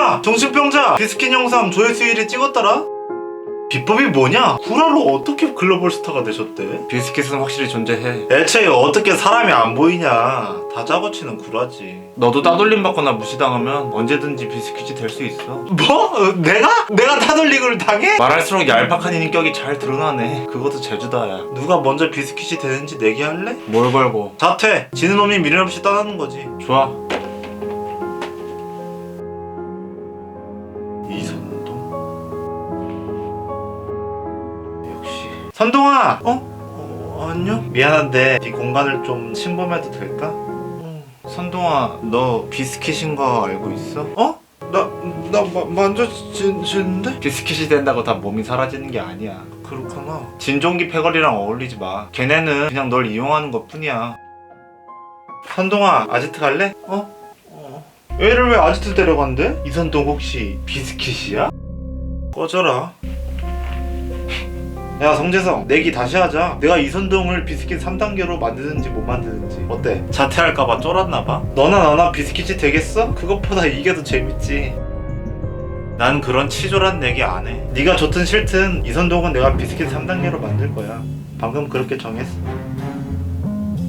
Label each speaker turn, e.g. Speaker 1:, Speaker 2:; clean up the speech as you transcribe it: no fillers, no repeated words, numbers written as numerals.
Speaker 1: 선동아! 정신병자! 비스킨 영상 조회수 1위 찍었더라? 비법이 뭐냐? 구라로 어떻게 글로벌 스타가 되셨대?
Speaker 2: 비스킷은 확실히 존재해.
Speaker 1: 애초에 어떻게 사람이 안 보이냐. 다 짜고치는 구라지.
Speaker 2: 너도 따돌림 받거나 무시당하면 언제든지 비스킷이 될 수 있어.
Speaker 1: 뭐? 내가? 내가 타돌릭을 당해?
Speaker 2: 말할수록 얄팍한 인격이 잘 드러나네. 그것도 제주다야.
Speaker 1: 누가 먼저 비스킷이 되는지 내기할래?
Speaker 2: 뭘 걸고.
Speaker 1: 자퇴! 지는 놈이 미련 없이 떠나는 거지.
Speaker 2: 좋아.
Speaker 1: 이선동? 역시 선동아! 안녕? 미안한데 네 공간을 좀 침범해도 될까?
Speaker 2: 선동아, 너 비스킷인 거 알고 있어?
Speaker 1: 만져지는데?
Speaker 2: 비스킷이 된다고 다 몸이 사라지는 게 아니야.
Speaker 1: 그렇구나.
Speaker 2: 진종기 패거리랑 어울리지 마. 걔네는 그냥 널 이용하는 것 뿐이야.
Speaker 1: 선동아, 아지트 갈래? 얘를 왜 아지트 데려간대? 이선동 혹시 비스킷이야? 꺼져라. 야 성재성, 내기 다시 하자. 내가 이선동을 비스킷 3단계로 만드는지 못 만드는지 어때? 자퇴할까봐 쫄았나봐? 너나 나나 비스킷이 되겠어? 그것보다 이게 더 재밌지. 난 그런 치졸한 내기 안 해. 네가 좋든 싫든 이선동은 내가 비스킷 3단계로 만들 거야. 방금 그렇게 정했어.